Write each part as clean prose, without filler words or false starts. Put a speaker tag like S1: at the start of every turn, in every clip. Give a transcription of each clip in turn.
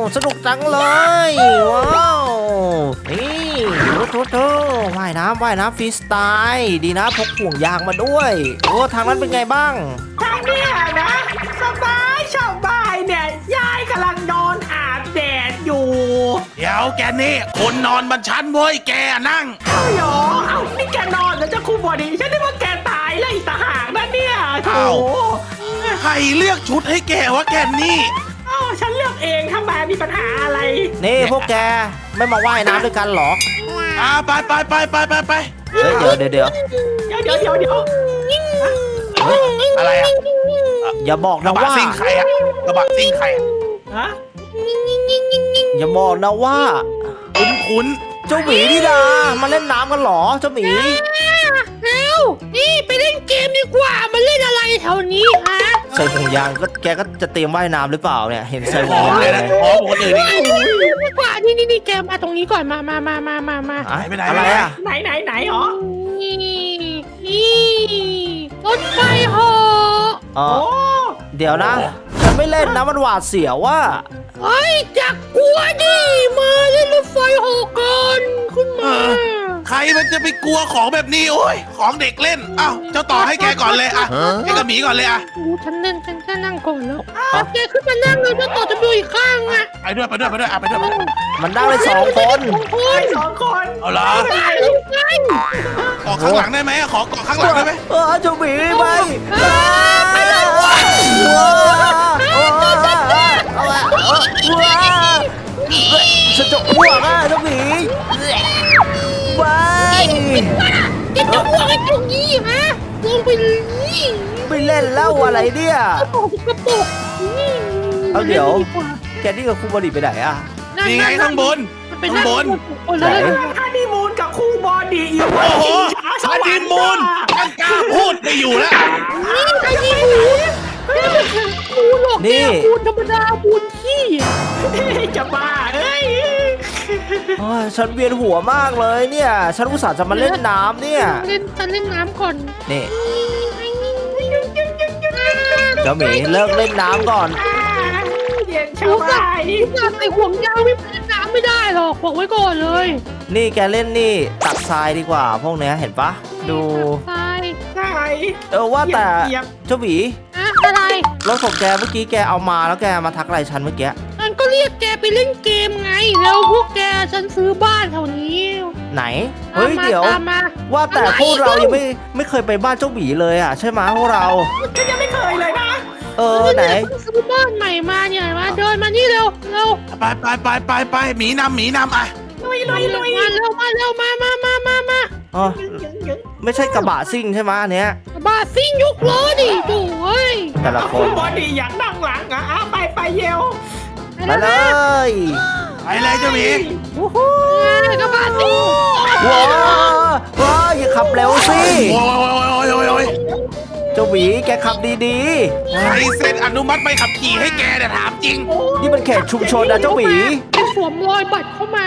S1: สนุกจังเลยว้าวนี่โถว่ายน้ำฟรีสไตล์ดีนะพกห่วงยางมาด้วยโอ้ทางนั้นเป็นไงบ้าง
S2: ทางเนี้ยนะสบายเนี่ยยายกำลังนอนอาบแดดอยู่
S3: เดี๋ยวแกนี่คนนอนบนชั้นเว้ยแกนั่ง
S2: เอ้าหรอเอ้านี่แกนอนแล้วจะคู่บอดี้ฉันนึกว่าแกตายแล้วอีกต่างหากนะเนี่ยโถ
S3: ใครเลือกชุดให้แกวะแกนี่
S2: เอ้าฉันเลือกเองทำไมมีปัญหาอะไร
S1: นี่พวกแกไม่มาว่ายน้ำด้วยกันเหรอ
S3: ไป
S1: เฮ้ยเดี๋ยว
S2: เดี๋ยว
S3: อะไรอะ
S1: อย่าบอก
S3: กระ
S1: นะ
S3: บะ
S1: ว่า
S3: ซิ่งใครอะกระบะซิ่งใครอะ
S2: ฮะ
S1: อย่าบอกนะว่า
S3: คุ้น
S1: เจ้าหมีนี่นามาเล่นน้ำกันเหรอเจ้าหมี
S4: เอ้านี่ไปเล่นเกมดีกว่ามาเล่นอะไรแถวนี้ฮะ
S1: ใส่ห่วงยางก็แกก็จะเตรียมว่ายน้ำหรือเปล่าเนี่ยเห็นใส่
S3: ๆ
S1: ห่
S3: ห
S1: ว
S3: อง ม
S1: ยาง
S3: เลย
S1: เล
S3: นะ
S1: ย
S3: หอมคนอื่นนี่
S4: ดีกว่านี่แกมาตรงนี้ก่อนมา
S1: อะ
S3: ไปไหน
S1: อะไรอะ
S2: ไหนหรอ
S4: นี่รถไฟเหาะ
S1: อ๋อ
S2: โอ้
S1: เดี๋ยวนะฉันไม่เล่นนะมันหวาดเสียวว่า
S4: เฮ้ยจักกลัวดิมาเล่นรถไฟเหาะกันขึ้นมา
S3: ใครมันจะไปกลัวของแบบนี้โอ้ยของเด็กเล่นอ้าวเจ้าต่อให้แกก่อนเลยอะให้กระหมีก่อนเลยอะ
S4: ฉันนั่งก่อนแล้วแกขึ้นมานั่งเลยจะต่อจะดูอีกข้างอ่ะ
S3: ไปด้วยอะไปด้วย
S1: มันนั่งได้2 คน
S2: ไอ้สองคน
S3: เอาเหรอ
S4: ไปแล้วกัน
S3: เกาะข้างหลังได้ไหมขอเกาะข้างหลังได้ไหม
S1: เจ้าหมีไปไปเลยฉันจะอ้วกอ่ะเจ้าหมีไป
S4: แกจะอ้วกไอ้ตรงนี้ฮะลงไปเลย
S1: ไม่เล่นแล้วอะไรเนี่ย
S4: กระปุก
S1: เอาเดี๋ยว แกนี่กับครูบอดี้ไปไหนอ่ะ
S3: นี่ไงข้างบน ข้างบน
S1: ไหน
S2: ฮันนีมูนกับคู่บอดี้อยู่
S3: โอ้โห
S2: ส
S3: ฮัน
S2: วร
S3: นี
S2: รค์
S3: มูนตั้งกล้าพูดไม่อยู่แล้ว
S4: ไอ้นี่หมูหลอกแกบูนธรรมดาบูนขี้
S2: จะบ้าเอ้ย
S1: ฉันเวียนหัวมากเลยเนี่ย ฉันอุตส่าห์จะมาเล่นน้ำเนี่ย
S4: ฉันเล่นน้ำก่อน
S1: นี่เจ้าหมีเลิกเล่นน้ำก่อน
S2: เย็นชา
S4: รู้
S2: ว
S4: จัก
S2: บ้าน
S4: ใส่ห่วงยางไม่เล่นน้ำไม่ได้หรอกบอกไว้ก่อนเลย
S1: นี่แกเล่นนี่ตักทรายดีกว่าพวกเนี้ยเห็นปะดู
S4: ใช่
S2: ใช่
S1: ว่าแต่
S2: เหยียบ
S1: เจ้าหมี
S4: อะไร
S1: รถของแกเมื่อกี้แกเอามาแล้วแกมาทักอะไรฉันเมื่อกี้
S4: ฉันก็เรียกแกไปเล่นเกมไงแล้วพวกแกฉันซื้อบ้านแถวนี้
S1: ไหนเฮ้ยเดี๋ยว
S4: ตามมา
S1: ว่าแต่พวกเรายังไม่เคยไปบ้านเจ้าหมีเลยอ่ะใช่ไหมพวกเรา
S2: ฉันยังไม่เคยเลยนะ
S1: ไหน
S4: เพิ่งซื้อบ้านใหม่มาเนี่ยมาเดินมานี่เร็ว
S3: ไปหมีนำอ่ะ
S2: ลุย
S4: มาเร็วมา
S1: อ๋อไม่ใช่กระบะซิ่งใช่ไหมอันเนี้ย
S4: บาซิ่งยกล้อดิดูเว้ย
S1: แต่ละค
S2: คู่
S1: น
S2: บอดี้อยากนั่งหลังอ่ะไปเยว
S1: ไปเลย
S3: ไปเลยเจ้าหมี
S4: กระบาซิ่ง
S1: ว้าอย่าขับเร็วสิ
S3: โอ้ย
S1: เจ้าหมีแกขับดี
S3: ใครเซ็นอนุมัติใบขับขี่ให้แกเนี่ยถามจริง
S1: ๆนี่มันเขตชุมชนนะเจ้าหมี
S4: เป็นสวมรอยบัตรเข้ามา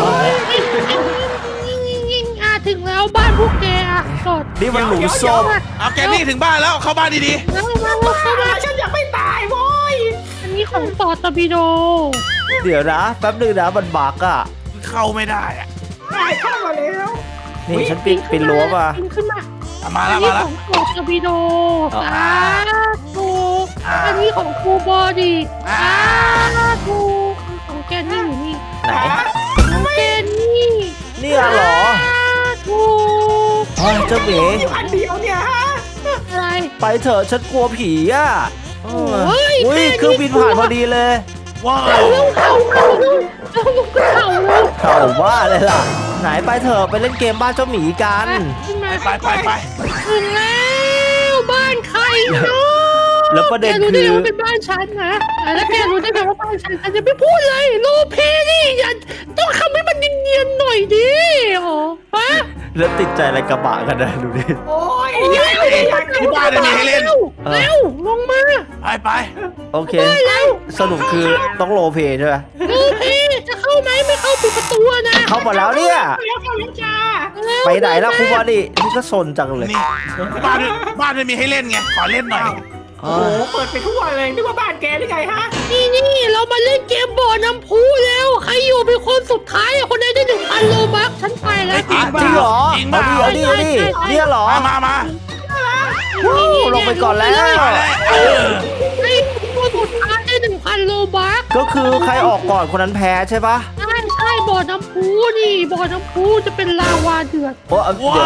S4: ยิงถึงแล้วบ้านพวกแกกด
S1: นี่มันหลุมศพ
S3: เอาแกนี่ถึงบ้านแล้วเข้าบ้านดี
S4: แล้วมา
S2: เข้ามาฉันยังไม่ตายโว้ย
S4: อันนี้ของต่อตบิโด
S1: เดี๋ยวนะแป๊บนึงนะมันบักอ่ะ
S3: ๆเข้าไม่ได้อะ
S2: ตายเข้ามาแล้ว
S1: นี่ฉันปีนรั้วมา
S4: ปีนขึ้นมา
S3: มา
S4: อั
S3: แล้ว
S4: นนี้ของต่อตบิโดสาธุอันนี้ของครูบอดี้สาธุของแกนี่อยู่นี่
S1: ไหน
S4: ของแกนี่
S1: เนี่ยเหรอ
S4: ถูก
S1: เจ้าหมี
S2: อยู่อันเดียวเนี่ยฮะ
S4: อะไร
S1: ไปเถอะฉันกลัวผีอ่ะ
S4: เฮ้ย
S1: อุ้ยเครื่องบินผ่านพอดีเลย
S3: ว้าว
S4: เร็วเข่าเร็วเข่าเร็ว
S1: เข่าบ้าเลยล่ะ ไหนไปเถอะไปเล่นเกมบ้านเจ้าหมีกัน
S4: ขึ้นมา
S3: ไป
S4: ถึงแล้วบ้านใครเนาะ
S1: แล้วประเด็น
S4: แกรู้ได้
S1: คือ
S4: ไงว่าเป็นบ้านฉันนะแล้วแกรู้ได้ไงว่าบ้านฉันจะไม่พูดเลยโลเพนี่อย่าต้องทำให้มันเนียนๆหน่อยดิอ๋อฮะ
S1: แล้วติดใจอะไรกระบะกันนะดูดิ
S2: โอ้ยยายไม่ได้อยาก
S3: ที่บ้านมีให้เล่น
S4: เร็วลงมา
S3: ไป
S1: โอเค
S4: ได้แล้ว
S1: สรุปคือต้องโรลเพลย์ใช่ไหม
S4: โลเพจะเข้าไหมไม่เข้าปิดประตูนะ
S1: เข้ามาแล้วเนี่ย
S2: แล้วเข้าแล้วจ้า
S1: ไปไหนแล้วครูบอดี้นี่ก็สนจังเลย
S3: นี่บ้านไม่มีให้เล่นไงขอเล่นหน่อย
S2: โอ้โหเปิดไปทั่วเลยนึกว่าบ้านแกหรือไงฮะ
S4: นี่เรามาเล่นเกมบอร์ดน้ำพุแล้วใครอยู่เป็นคนสุดท้ายคนไหนได้1,000 โลบัคฉันไปแล้ว
S3: จริง
S1: จริงเหรอ
S3: จริงเปล่า
S1: เอาดิเนี่ยเหรอ
S3: มา
S1: ลงไปก่อนแล้ว
S3: มาเลย
S4: ไอ้คนสุดท้ายได้1,000 โลบัค
S1: ก็คือใครออกก่อนคนนั้นแพ้ใช่ปะ
S4: ใช่บ่อน้ำพุนี่บ่อน้ำพุจะเป็นลาวาเดือด
S1: โอ้เดี๋ยว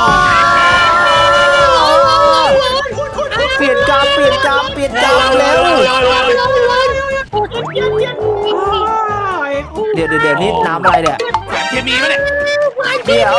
S1: เปลี่ยนกามเร็ว เดี๋ยวนี่น้ำอะไรเนี่ย
S3: สารเคมีไหมเนี่ย
S1: เดี๋ยว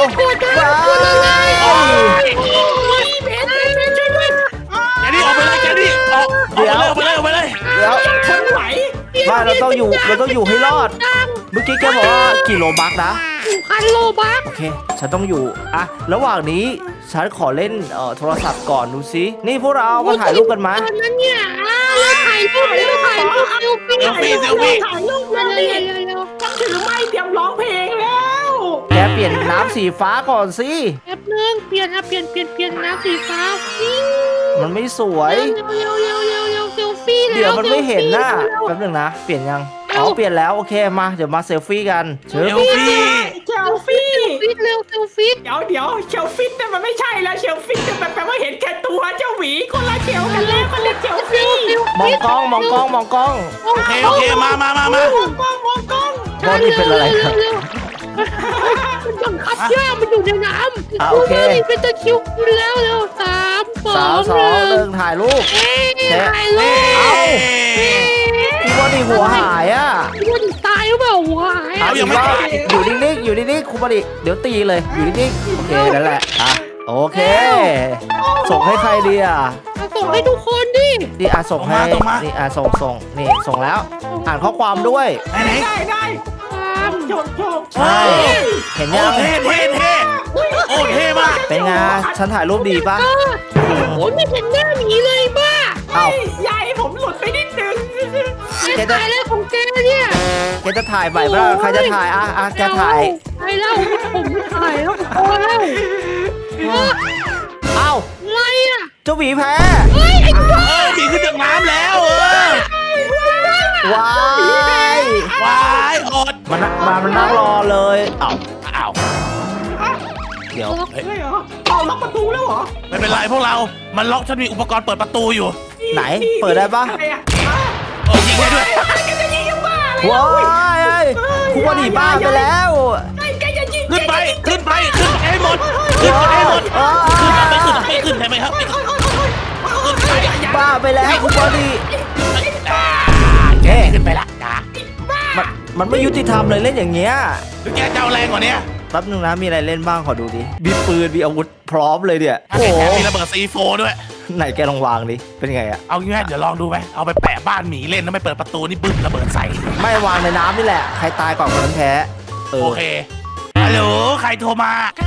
S3: แกนี่ออกไปเลยแกนี่ออกไปเลย
S1: เดี๋ยว
S2: ฉันไหว
S1: ไม่เราต้องอยู่ให้รอด เมื่อกี้แกบอกว่ากี่โลบักนะ
S4: 1,000 โลบัค
S1: โอเค ฉันต้องอยู่อะระหว่างนี้ฉันขอเล่นโทรศัพท์ก่อนดูซินี่พวกเรามาถ่ายรูปกันมา
S4: ตอนนั้นเนี่ยเราถ่ายรูปถ่ายรูปเซลฟี่
S2: ถ่ายรูปแล้วดิฉันถือไม้เตรียมร้องเพลงแล้ว
S1: แกเปลี่ยนน้ำสีฟ้าก่อนสิ
S4: แป๊บนึงเปลี่ยนน้ำสีฟ้า
S1: มันไม่สวย
S4: เร็วเซลฟี่แล้ว
S1: เดี๋ยวมันไม่เห็นน่ะแป๊บหนึงนะ เปลี่ยนยัง อ๋อ เปลี่ยนแล้ว โอเค มา เดี๋ยวมาเซลฟี่กันเชิญ
S3: เซลฟี่
S2: เชลฟี่
S4: เร็วเซลฟี่
S2: เดี๋ยวเชลฟิตเนี่ยมันไม่ใช่แล้วเชลฟิตเนี่ยมันแปลว่าเห็นแค่ตัวเจ้าหวีคนละเชลกันแล้วมันเรียกเชลฟี่
S1: มองกล้อง มองกล้อง มองกล้อง
S3: โอเคมา
S2: มองกล้อง
S1: บอลนี่เป็นอะไรครับ
S4: มันบังคับย่ามันอยู่ในน้ำ
S1: โอเค
S4: เป็นตะคิวแล้วเร็ว3 2
S1: 1ถ่ายรูป
S4: ถ่ายรูป
S1: เอ้า พี่บอลนี่หัวหายอ่ะ
S4: มันตายหรือเปล่าหาย
S3: เอายังไม่ตาย
S1: อยู่นิ่งๆ อยู่นิ่งๆครูบอลเดี๋ยวตีเลย อยู่นิ่งๆ โอเค นั่นแหละ อ่ะ โอเค ส่งให้ใครดีอ่ะ
S4: ส่งให้ทุกคนดิ
S1: นี่อ่ะส่งให้
S3: ส่งมา
S1: นี่อ่ะส่งนี่ส่งแล้ว อ่านข้อความด้วย
S3: ไหน
S2: ได้
S4: ตาม
S2: โชว์
S1: ใช่ เห็น
S3: โอ้
S1: ยัง
S3: เท่โอ้เท่มาก
S1: เป็นไง ฉันถ่ายรูปดีปะ
S4: โอ้ยไม่เห็นหน้าหมีเลยบ้า
S1: เอ้า
S2: ยายผมหลุดไปนิดนึง
S4: แกถ่ายอะไรของแกเนี่ย
S1: แกจะถ่ายใหม่ปะล่ะใครจะถ่าย อ่ะ แกถ่าย
S4: ถ่ายแล้วผมไม่ถ่ายแล้วพอแล้ว
S1: เอ้า
S4: อะไรอ่ะ
S1: เจ้าหวีแพ้
S4: เฮ้ยไอ้ตัว
S3: มีขึ้นจากน้ำแล้ว
S1: ว้าย
S3: ว้ายอด
S1: มันนั่งรอเลย เอ้า
S3: อ้าว
S1: เดี๋ยว
S2: เฮ้ยเหรอเอาล็อกประตูแล้วเหรอ
S3: ไม่เป็นไรพวกเรา มันล็อกฉันมีอุปกรณ์เปิดประตูอยู่
S1: ไหน เปิดได้ปะ
S2: อะไรอ่ะ
S3: โอ้ยิงได้ด้วย
S2: แกจะยิงยังบ้าเลย
S1: ว้ายครูบอลบ้าไปแล้ว
S2: แกจะยิง
S3: ขึ้นไปให้หมดไม่ขึ้นใช่ไหมครับขึ้นไป
S1: บ้าไปแล้วครูบอล
S3: แกขึ้นไปละจ้า
S1: มันไม่ยุติธรรมเลยเล่นอย่างเงี้ย
S3: หรือแกจะเอาแรงกว่านี้
S1: แป๊บนึงนะมีอะไรเล่นบ้างขอดูดิมีปืนมีอาวุธพร้อมเลยเนี่ย
S3: ถ้า
S1: โอ้
S3: แก
S1: โห
S3: มีระเบิดซีโฟด้วย
S1: ไหนแกลองวางดิเป็นไงอะ
S3: เอางี้ไหมเดี๋ยวลองดูไหมเอาไปแปะบ้านหมีเล่นแล้วไม่เปิดประตูนี่บึ้มระเบิดใส่
S1: ไม่วางในน้ำนี่แหละใครตายก่อนคนนั้นแพ้เออ
S3: โอเคฮัลโหลใครโทรมา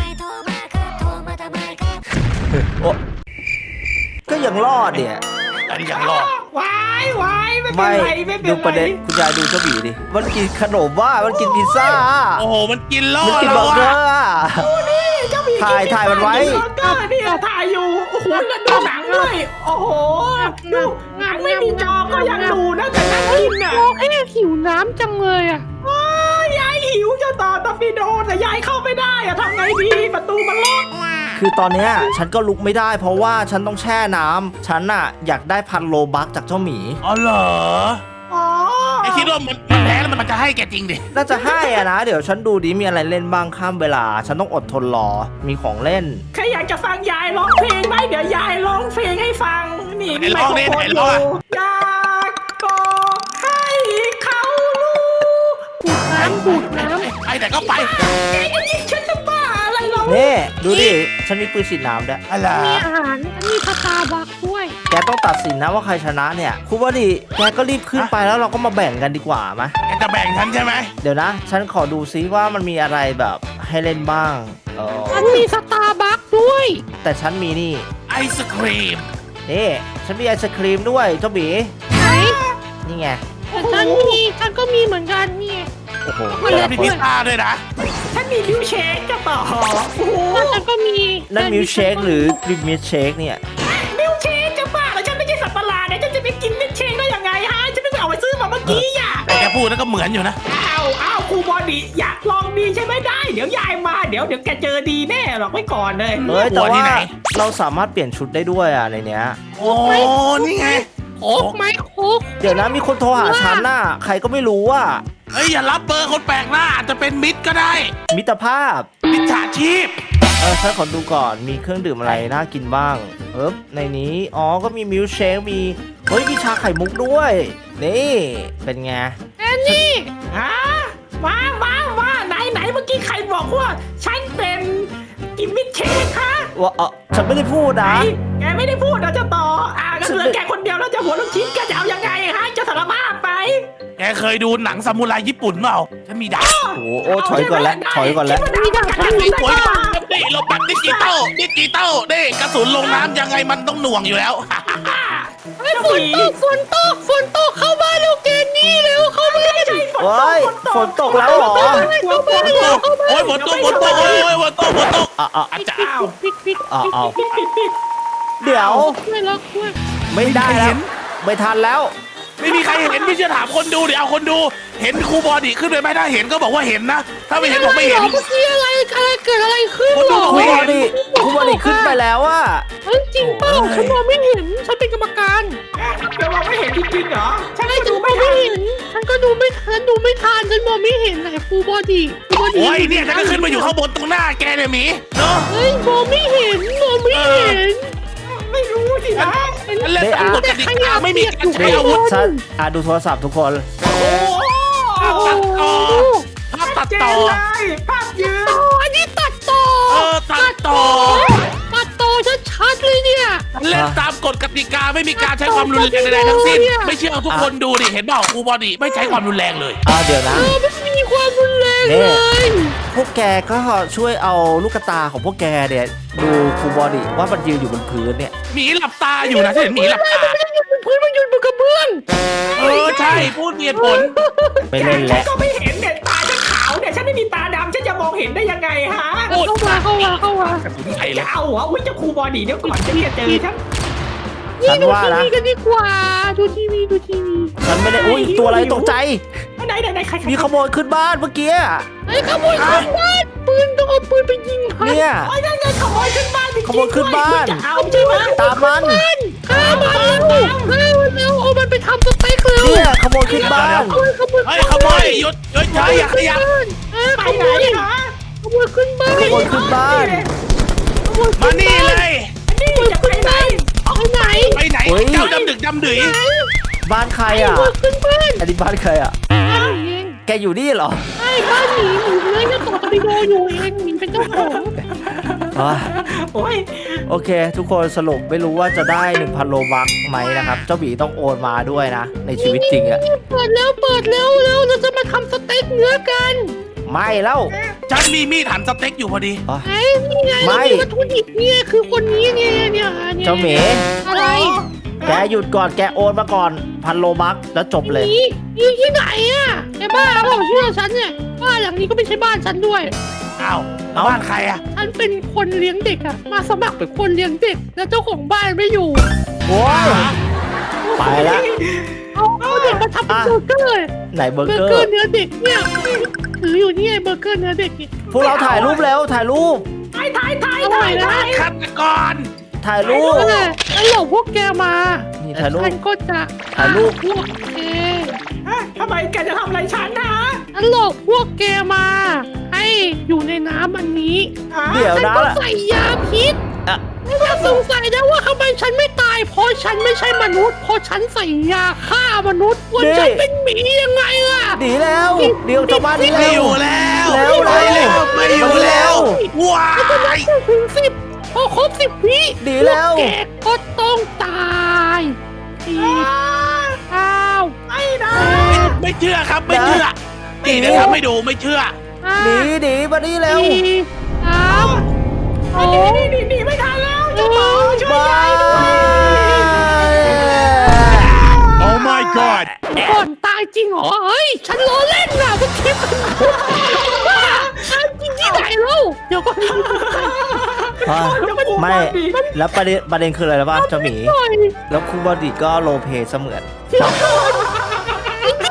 S1: โอ้ก็ยังรอดเนี่ย
S3: อันนี้ยังรอด
S2: วายไม่เป็น
S1: ไม่
S2: ไรไม่เป็น
S1: ดูประ
S2: ไร
S1: เด็นคุณยายดูเจ้าหมีดิมันกินขนมว่ามันกินพิซซ่า
S3: โอ้โหมันกินล่อ
S1: มันกิน
S3: เรา
S1: เบอร์เกอ
S3: อะ
S1: ร์อะ
S2: เจ้าหมี
S1: ถ่ายมันไว้
S2: ก็เนี่ยถ่ายอยู่โอ้โหแล้วดูหนังด้วยโอ้โหดูหนังไม่มีจอก็ยังดูนะแต่นั่งกินอ่ะ
S4: โอ้เอ๊ะหิวน้ำจังเลยอ่ะ
S2: ยายหิวจะต่อตอร์ปิโดแต่ยายเข้าไม่ได้อะทำไงดีประตูมันล็อก
S1: คือตอนเนี้ยฉันก็ลุกไม่ได้เพราะว่าฉันต้องแช่น้ำฉันน่ะอยากได้1,000 โลบักจากเจ้าหมี
S3: อ๋อเหรอ
S2: อ๋อ
S3: ไอคิดว่ามันแพ้แล้วมันจะให้แกจริงดิ
S1: น่าจะให้อะนะ เดี๋ยวฉันดูดิมีอะไรเล่นบ้างข้ามเวลา ฉันต้องอดทนรอมีของเล่น
S2: ใครอยากจะฟังยายร้องเพลงไหมเดี๋ยวยายร้องเพลงให้ฟังนี่มีไมโครโฟนอยู่อยากบอกให้เขารู้
S4: ดูดน้
S3: ไอแต่ก็ไป
S2: แกจะยิงฉันจะบ้าอะไรเรา
S1: นี่ดูดิฉันมีปืนฉีดน้ำด้วย
S3: อะไร
S4: ำมีอาหารมีสตาร์บัคด้วย
S1: แกต้องตัดสินนะว่าใครชนะเนี่ยครูว่าดิแกก็รีบขึ้นไปแล้วเราก็มาแบ่งกันดีกว่าไหม
S3: แกจะแบ่งฉันใช่ไหม
S1: เดี๋ยวนะ ฉันขอดูซิว่ามันมีอะไรแบบให้เล่นบ้าง
S4: อันมีสตาร์บัคด้วย
S1: แต่ฉันมีนี่
S3: ไอศครีม
S1: นี่ฉันมีไอศครีมด้วยเจ้าหมี
S4: ไหน
S1: นี่ไง
S4: แต่ฉันก็มีเหมือนกันนี่
S1: โอ้โห
S3: แล้วมีพิซซ่าด้วยนะ
S2: ฉันมีมิวเชคจะต่อโอ้โห
S4: แล้วฉันก็มี
S1: นั่นมิลเชคหรือบิมิลเชคเนี่ย
S2: มิวเชคจะบ้าแล้วฉันไม่ใช่สัตว์ประหลาดเนี่ยฉันจะไปกินมิวเชคได้ยังไงฮะฉันไม่ไปเอาไปซื้อกว่าเมื่อกี้อ่ะ
S3: แต่แกพูดแล้วก็เหมือนอยู่นะ
S2: อ้าวครูบอดีอยากลองดีใช่ไหมได้เดี๋ยวยายมาเดี๋ยวแกเจอดีแน่หรอกไว้ก่อนเลย
S1: เฮ้ยแต่ว่าเราสามารถเปลี่ยนชุดได้ด้วยอ่ะในเนี้ย
S3: โอ้นี่ไง
S4: โอ๊กไหมโอ๊ก
S1: เดี๋ยวนะมีคนโทรหาฉันน่ะใครก็ไม่รู้อ่ะ
S3: เฮ้ยอย่ารับเบอร์คนแปลกหน้าอาจจะเป็นมิตรก็ได้
S1: มิตรภาพ
S3: มิจฉาชีพ
S1: ฉันขอดูก่อนมีเครื่องดื่มอะไรน่ากินบ้างในนี้อ๋อก็มีมิลค์เชคมีมีชาไข่มุกด้วยนี่เป็นไง
S4: แอนนี่
S2: มาไหนเมื่อกี้ใครบอกว่าฉันเป็นกิมมิคเชคคะ
S1: ว่าฉันไม่ได้พูดนะ
S2: แกไม่ได้พูดนะจะต่อก็เหลือแกคนเดียวแล้วจะหัวลูกชิ้นแกจะเอายังไงฮะจะสารภาพไป
S3: แกเคยดูหนังซามูไรญี่ปุ่นเปล่าฉันมีดาบ
S1: โอ้ถอยก่อนแล้วถอยก่อนแล้ว
S2: มีดาบฉันมี
S3: โอ้ย
S2: ดาบ
S3: นี่เราปัดดิจิตอลนี่กระสุนลงน้ำยังไงมันต้องหน่วงอยู่แล้ว
S4: ไอ้ฝนตกเข้ามาเร็วเกนนี่เร็วเข้ามา
S2: ไม่ใช่
S1: โอ้ยฝนตกแล้วเหรอ
S3: โอ้ยฝนตกโอ้ยฝนตกอาจารย์
S4: ปิด
S2: ปิด
S1: เดี๋ยว
S4: ช่วยล็อกช่วย
S1: ไม่ได้แล้วไม่ทันแล้ว
S3: ไม่มีใครเห็นไม่เชื่อถามคนดูเดี๋ยวเอาคนดูเห็นครูบอดี้ขึ้นไปไหมถ้าเห็นก็บอกว่าเห็นนะถ้าไม่เห็นบอกไม่เห็น
S4: เมื่อกี้อะไรเกิดอะไรขึ้น
S3: คนดู
S1: ครูบอดี้ขึ้นไปแล้วอะ
S4: จริงเปล่าฉันมองไม่เห็นฉันเป็นกรรมการ
S2: แกมองไม่เห็นจริงๆเหรอฉัน
S4: ฉั
S2: ก็
S4: น
S2: ดู
S4: ม
S2: ไม่
S4: อง
S2: ทั
S4: ไม่
S2: น
S4: เห็นฉันก็ดูไม่ทันฉันมองไม่เห็นไหนฟูบอดี้
S3: โอ้ยเนี่ยจะก็ขึ้นมาอยู่ข้างบนตรงหน้าแกเนี่ยหมีเนาะ
S4: เฮ้ยมองไม่เห็น
S2: ไม่รู้สินะ
S3: ฉันเล่นตามกฎกติกาไม่มีการใช้อาวุธ
S1: ฉันดูโทรศัพท์ทุกคน
S2: โอ้
S3: ภาพตัดต่อ
S2: เลยภาพยืน
S4: อันนี้ตัดต่อ
S3: ตัดต่อ
S4: ชัดเลยเนี่ย
S3: เล่นตามกฎกติกาไม่มีการใช้ความรุนแรงใดๆทั้งสิ้นไม่เชื่อทุกคนดูดิเห็นเปล่าครูบอดี้ไม่ใช้ความรุนแรงเลย
S1: เดี๋ยวนะ
S4: ไม่มีความรุนแรงเลย
S1: พวกแกก็ช่วยเอาลูกตาของพวกแกเนี่ยดูครูบอดี้ว่ามันยืนอยู่บนพื้นเนี่ย
S3: หมีหลับตาอยู่นะฉันเห็นหมีหลับตา
S4: พื้นมันยืนบนกระเบื้อง
S3: ใช่พูดมีเหตุผล
S1: ไปเล่น
S2: ฉั
S1: แล้ว
S2: ก็ไม่เห็นเนี่ยตาฉันขาวเนี่ยฉันไม่มีตาดำฉันจะมองเห็นได้ยังไงฮะ
S4: เข้ามา
S3: ใช่เล
S2: จะ
S3: ย
S2: เอาเหรออุ้ยเจ้าครูบอดี้เดี๋ยวก่อนฉันจะเจอฉัน
S1: ฉันว่านะ
S4: ดูทีวีกันดีกว่าดูทีวี
S1: ฉันไม่ได้อุ้ยตัวอะไรตกใจ
S2: ไหนใคร
S1: มีขโมยขึ้นบ้านเมื่อกี้
S4: ไอ้ขโมยขึ้นบ้านปืนต้องเอาปืนไปยิงมัน
S1: เนี่ย
S2: โอ้ยนั่นไงขโมยขึ้นบ้านจริงๆ
S1: ขโมยขึ้นบ้าน
S2: จะเอาใช่ไหม
S1: ตามมัน
S4: ฆ่ามันเร็วเอามันไปทำสเต็กเร็ว
S1: เนี่ยขโมยขึ้นบ้าน
S3: เฮ้ยขโมยหยุดใช่อย่าขยับ
S2: ไป
S4: ข
S2: ไห
S4: โม
S2: น
S4: ย
S2: ฮะ
S4: ขโมยขึ้นบ้าน
S1: ขโมยขึ้นบ้าน
S3: มานี่เลย
S2: นี่จะไปไหน
S4: เอาไหน
S3: ไปไหนเจ้าดำดึกดำดื่ย
S1: บ้านใคร
S4: ข
S1: อ่ะ
S4: โมยขึ้นบ้าน
S1: อันนี้บ้านใครอ่ะ
S4: เอง
S1: แกอยู่นี่เหรอ
S4: ใช่บ้านหมีเลยจะต่อตะบิโดอยู่เองหมีเป็นเจ้าของ
S2: โอ้ย
S1: โอเค ทุกคนสรุปไม่รู้ว่าจะได้ 1,000 โลบัคไหมนะครับ เจ้าหมีต้องโอนมาด้วยนะ ในชีวิตจริงอ่ะ
S4: เปิดแล้วเราจะมาทำสเต็กเนื้อกัน
S1: ไม่แล้ว
S3: ฉันมีมีดหั่นสเต็กอยู่พอดี
S4: ไอ้นี่ไง
S1: ไม่
S4: วัตถุดิบเนี่ยคือคนนี้เนี่ย
S1: เจ้าหมี
S4: อะไร
S1: แกหยุดก่อนแกโอนมาก่อน 1,000 โลบัคแล้วจบเลย
S4: นี่ที่ไหนอ่ะแกบ้าเปล่าเชื่อฉันเนี่ยบ้านหลังนี้ก็ไม่ใช่บ้านฉันด้วย
S3: อ้าวแล้วบ้านใครอะ
S4: ฉันเป็นคนเลี้ยงเด็กอะมาสมัครเป็นคนเลี้ยงเด็กแล้วเจ้าของบ้านไม่อยู่
S1: โอ้ยไปแล้ว
S4: เอาเด็กมาทำเป็นเบอร์เกอร์
S1: ไหนเบอร์
S4: เบอ
S1: เก
S4: ร์
S1: อ
S4: เกอ
S1: ร์
S4: ร์เนื้อเด็กเนี่ยถืออยู่นี่ไงเบอร์เกอร์เนื้อเด็กเนี่ย
S1: พวกเราถ่ายรูปแล้วถ่ายรูป
S2: ถ่าย
S3: ฆาตกร
S1: ถ่ายรูป
S4: แล้วหลอกพวกแกมา
S1: นี่ถ่ายรูป
S4: ฉันก็จะ
S1: ถ่ายรูป
S4: พวกแก
S2: ทำไมแกจะทำอะไรฉันนะ
S4: ฉันหลอกพวกแกมา ให้อยู่ในน้ำอันนี้
S1: เดี๋ยว
S4: ฉัน
S1: นะ
S4: ก็ใส่ยาพิษ
S1: อ่ะ
S4: ไม่ต้องสงสัยนะว่าทำไมฉันไม่ตาย เพราะฉันไม่ใช่มนุษย์ เพราะฉันใส่ยาฆ่ามนุษย์ว่าฉันเป็นหมียังไงล่ะ
S1: หนีแล้วเดี๋ยวจากบ้านนี้
S3: ไม่
S1: แล้
S3: อ
S1: ว
S3: ยู่แล้ว
S1: แล้ว
S3: ไม่แล้วไม่อยู่แล้วว้าย
S4: ถึง10พอครบ10 วิ
S1: หนีแล้ว
S4: พกแกก็ต้องตาย4 9
S2: ไม่นะ
S3: ไม่เชื่อครับไม่เชื่อนี่เดี๋ยวทำให้ดูไม่เชื่อ
S1: หนีมานี่แล้ว
S4: 4 3
S2: นี่ไม่ทันแล้วจะต่อช่วย
S1: บาย
S3: Oh my god
S4: ก่อนตายจริงเหรอ เฮ้ย ฉันล้อเล่นน่ะมันคิดว่าฉันจริงที่ไหนเล่าเดี๋ยวก่อน
S1: ไม่แล้วประเด็นคืออะไรรู้ป่ะเจ้าหมี
S4: หน่อย
S1: แล้วครูบอดี้ก็โรลเพลย์เสมือน
S4: ไอ้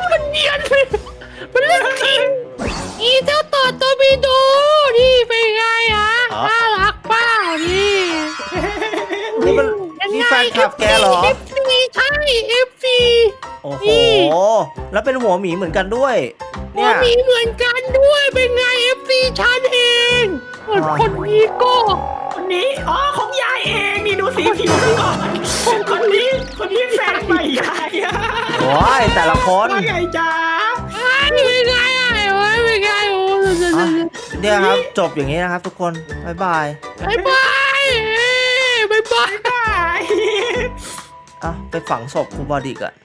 S1: นี่แฟนคลับแกเหรอ
S4: FC ใช่ FC
S1: โอ้โห แล้วเป็นหัวหมีเหมือนกันด้วย
S4: หั
S1: เนี่
S4: วย มีเหมือนกันด้วยเป็นไง FC ฉันเองส่วนคนนี้ก็
S2: คนนี้อ๋อของยายเองนี่ดูสีผิวซะก่อนคนนี้แฟนใหม่ยายอะ
S1: โอ้ยแต่ละคน
S2: ว่าไงจ๊ะ
S4: เป็นไงอ่ะเป็นไงโอ้
S1: อ่ะเนี่ยครับ จบอย่างนี้นะครับทุกคน บ๊ายบาย
S4: บายบายบายบาย
S2: ได้
S1: อ่ะ ไปฝังศพครูบอดิกอะ